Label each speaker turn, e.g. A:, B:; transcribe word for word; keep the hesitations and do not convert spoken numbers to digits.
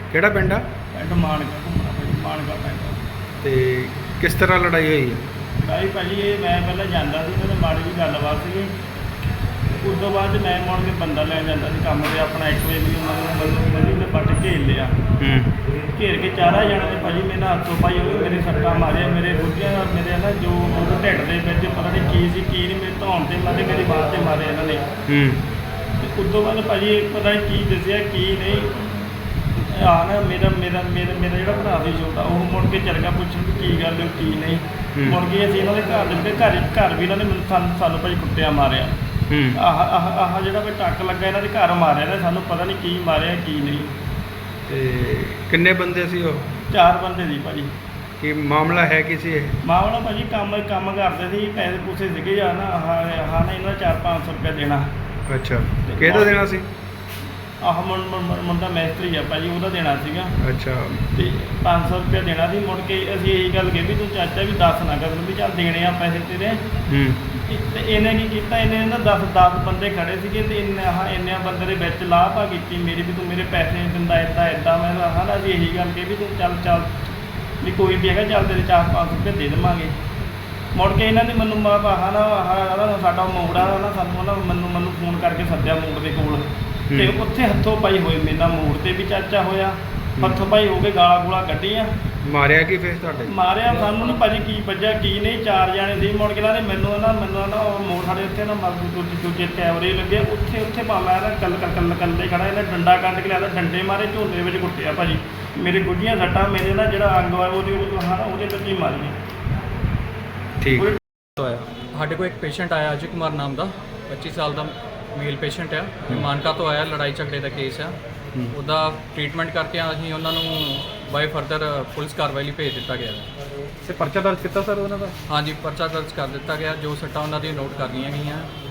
A: ਕਿਹੜਾ ਪਿੰਡ ਆ?
B: ਪਿੰਡ ਮਾਨਕਾ ਘੁੰਮਣਾ ਭਾਜੀ, ਮਾਨਕਾ ਪਿੰਡ।
A: ਤੇ ਕਿਸ ਤਰ੍ਹਾਂ ਲੜਾਈ ਹੋਈ ਹੈ?
B: ਲੜਾਈ ਭਾਜੀ ਇਹ ਮੈਂ ਪਹਿਲਾਂ ਜਾਂਦਾ ਸੀ, ਇਹਨਾਂ ਮਾੜੀ ਜਿਹੀ ਗੱਲਬਾਤ ਸੀਗੀ। ਉਸ ਤੋਂ ਬਾਅਦ ਮੈਂ ਮੁੜ ਕੇ ਬੰਦਾ ਲੈਣ ਜਾਂਦਾ ਸੀ ਕੰਮ 'ਤੇ ਆਪਣਾ। ਇੱਕ ਵਜੇ ਮੈਨੂੰ ਮਤਲਬ ਮੈਨੂੰ ਨੇ ਬੱਟ ਘੇਰ ਲਿਆ।
A: ਹੂੰ।
B: ਘੇਰ ਕੇ ਚਾਰਾਂ ਜਣੇ ਨੇ ਭਾਜੀ ਮੇਰੇ ਨਾਲ ਹੱਥੋਂ ਪਾਈ ਹੋਈ, ਮੇਰੇ ਸੱਟਾਂ ਮਾਰਿਆ, ਮੇਰੇ ਗੁੱਜਿਆਂ ਨਾਲ, ਮੇਰੇ ਨਾ ਜੋ ਢਿੱਡ ਦੇ ਵਿੱਚ ਪਤਾ ਨਹੀਂ ਕੀ ਸੀ ਕੀ ਨਹੀਂ, ਮੇਰੇ ਧੌਣ 'ਤੇ ਮਾਰੇ, ਮੇਰੀ ਬਾਂਹ 'ਤੇ ਮਾਰੇ ਇਹਨਾਂ ਨੇ।
A: ਹੂੰ।
B: ਤੇ ਉਸ ਤੋਂ ਬਾਅਦ ਭਾਜੀ ਪਤਾ ਨਹੀਂ ਕੀ ਦੱਸਿਆ ਕੀ ਨਹੀਂ। ਆ ਨਾ ਮੇਰਾ ਮੇਰਾ ਮੇਰਾ ਮੇਰਾ ਜਿਹੜਾ ਭਰਾ ਸੀ ਛੋਟਾ, ਉਹ ਮੁੜ ਕੇ ਚੱਲ ਗਿਆ ਪੁੱਛਣ ਵੀ ਕੀ ਗੱਲ ਹੈ ਕੀ ਨਹੀਂ। ਮੁੜ ਕੇ ਅਸੀਂ ਇਹਨਾਂ ਦੇ ਘਰ ਦੇ ਵਿੱਚ ਘਰ ਘਰ ਵੀ ਇਹਨਾਂ ਨੇ ਮੈਨੂੰ ਸਾਨੂੰ ਸਾਨੂੰ ਭਾਜੀ ਕੁੱਟਿਆ ਮਾਰਿਆ। ਆਹ ਆਹ ਆਹ ਜਿਹੜਾ ਵੀ ਟੱਕ ਲੱਗਾ ਇਹਨਾਂ ਦੇ ਘਰ ਮਾਰਿਆ ਨੇ, ਸਾਨੂੰ ਪਤਾ ਨਹੀਂ ਕੀ ਮਾਰਿਆ ਕੀ ਨਹੀਂ।
A: ਤੇ ਕਿੰਨੇ ਬੰਦੇ ਸੀ ਉਹ?
B: ਚਾਰ ਬੰਦੇ ਸੀ ਭਾਜੀ।
A: ਕੀ ਮਾਮਲਾ ਹੈ ਕੀ ਸੀ ਇਹ?
B: ਮਾਮਲਾ ਭਾਜੀ ਕੰਮ ਕੰਮ ਕਰਦੇ ਸੀ, ਪੈਸੇ ਪੂਸੇ ਸੀਗੇ ਜਾਂ ਨਾ ਆਹ ਆਹ ਨਾ ਇਹਨਾਂ ਚਾਰ ਪੰਜ ਸੌ ਰੁਪਇਆ ਦੇਣਾ।
A: ਅੱਛਾ, ਕਿਹਦਾ ਦੇਣਾ ਸੀ?
B: ਆਹ ਮੁੰ ਮੁੰਡਾ ਮੈਸਤਰੀ ਆ ਭਾਜੀ, ਉਹਦਾ ਦੇਣਾ ਸੀਗਾ।
A: ਅੱਛਾ।
B: ਤੇ ਪੰਜ ਸੌ ਰੁਪਇਆ ਦੇਣਾ ਸੀ। ਮੁੜ ਕੇ ਅਸੀਂ ਇਹੀ ਗੱਲ ਕਹੀ ਵੀ ਤੂੰ ਚਾਚਾ ਵੀ ਦੱਸ ਨਾ ਕਰ ਵੀ ਚੱਲ ਦੇਣੇ ਆ ਪੈਸੇ ਤੇਰੇ।
A: ਹੂੰ।
B: ਤੇ ਇਹਨੇ ਕੀ ਕੀਤਾ, ਇਹਨੇ ਨਾ ਦਸ ਦਸ ਬੰਦੇ ਖੜੇ ਸੀਗੇ ਤੇ ਇੰਨੇ ਆਹ ਇੰਨਿਆਂ ਬੰਦੇ ਦੇ ਵਿੱਚ ਲਾਹ ਪਾ ਕੀਤੀ ਮੇਰੀ ਵੀ ਤੂੰ ਮੇਰੇ ਪੈਸੇ ਨਹੀਂ ਦਿੰਦਾ, ਇੱਦਾਂ ਇੱਦਾਂ। ਮੈਂ ਹਾਂ ਨਾ ਅਸੀਂ ਇਹੀ ਗੱਲ ਕਹੀ ਵੀ ਤੂੰ ਚੱਲ ਚੱਲ ਵੀ ਕੋਈ ਵੀ ਹੈਗਾ, ਚੱਲ ਤੇਰੇ ਚਾਰ ਪੰਜ ਸੌ ਰੁਪਏ ਦੇ ਦੇਵਾਂਗੇ। ਮੁੜ ਕੇ ਇਹਨਾਂ ਨੇ ਮੈਨੂੰ ਆਹ ਨਾ ਆਹ ਸਾਡਾ ਮੋੜ ਆ ਨਾ, ਸਾਨੂੰ ਨਾ ਮੈਨੂੰ ਮੈਨੂੰ ਫੋਨ ਕਰਕੇ ਸੱਦਿਆ ਮੋੜ ਦੇ ਕੋਲ। ਤੇ ਉੱਥੇ ਹੱਥੋਂ ਪਾਈ ਹੋਏ ਮੇਰੇ ਨਾਲ ਮੋੜ ਤੇ ਵੀ ਚਾਚਾ ਹੋਇਆ, ਹੱਥੋਂ ਪਾਈ ਹੋ ਕੇ ਗਾਲਾਂ ਗੂਲਾਂ ਕੱਢੀਆਂ।
A: ਮਾਰਿਆ ਕੀ ਫਿਰ ਤੁਹਾਡੇ?
B: ਮਾਰਿਆ ਸਾਨੂੰ ਨਾ ਭਾਜੀ ਕੀ ਵੱਜਿਆ ਕੀ ਨਹੀਂ, ਚਾਰ ਜਾਣੇ ਸੀ। ਮੁੜ ਕੇ ਨੇ ਮੈਨੂੰ ਨਾ ਮੈਨੂੰ ਨਾ ਉਹ ਮੋੜ ਸਾਡੇ ਉੱਥੇ ਨਾ ਮਰ ਦੂਜੇ ਦੂਜੇ ਕੈਮਰੇ ਲੱਗੇ ਉੱਥੇ ਉੱਥੇ ਪਾ ਮੈਂ ਨਾ ਕੱਲ ਕੱਲ ਕੱਲੇ ਖੜਾ, ਇਹਨੇ ਡੰਡਾ ਕੱਢ ਕੇ ਲਿਆ, ਡੰਡੇ ਮਾਰੇ, ਝੋਲੇ ਵਿੱਚ ਕੁੱਟਿਆ ਭਾਜੀ। ਮੇਰੇ ਗੁੱਜੀਆਂ ਸੱਟਾਂ ਮੇਰੇ ਨਾ ਜਿਹੜਾ ਅੰਗ ਆ ਉਹਦੇ ਹਾਂ ਉਹਦੇ ਵਿੱਚ ਹੀ ਮਾਰੀਆਂ।
A: ਠੀਕ
C: ਹੋਇਆ ਸਾਡੇ ਕੋਲ ਇੱਕ ਪੇਸ਼ੈਂਟ ਆਇਆ ਅਜੇ ਕੁਮਾਰ ਨਾਮ ਦਾ, ਪੱਚੀ ਸਾਲ ਦਾ ਮੇਲ ਪੇਸ਼ੈਂਟ ਆ, ਮਾਨਕਾ ਤੋਂ ਆਇਆ। ਲੜਾਈ ਝਗੜੇ ਦਾ ਕੇਸ ਆ, ਉਹਦਾ ਟ੍ਰੀਟਮੈਂਟ ਕਰਕੇ ਅਸੀਂ ਉਹਨਾਂ ਨੂੰ ਬਾਈ ਫਰਦਰ ਪੁਲਿਸ ਕਾਰਵਾਈ ਲਈ ਭੇਜ ਦਿੱਤਾ ਗਿਆ।
A: ਤੇ ਪਰਚਾ ਦਰਜ ਕੀਤਾ ਸਰ ਉਹਨਾਂ ਦਾ?
C: ਹਾਂਜੀ, ਪਰਚਾ ਦਰਜ ਕਰ ਦਿੱਤਾ ਗਿਆ। ਜੋ ਸੱਟਾਂ ਉਹਨਾਂ ਦੀਆਂ ਨੋਟ ਕਰ ਲਈਆਂ ਗਈਆਂ।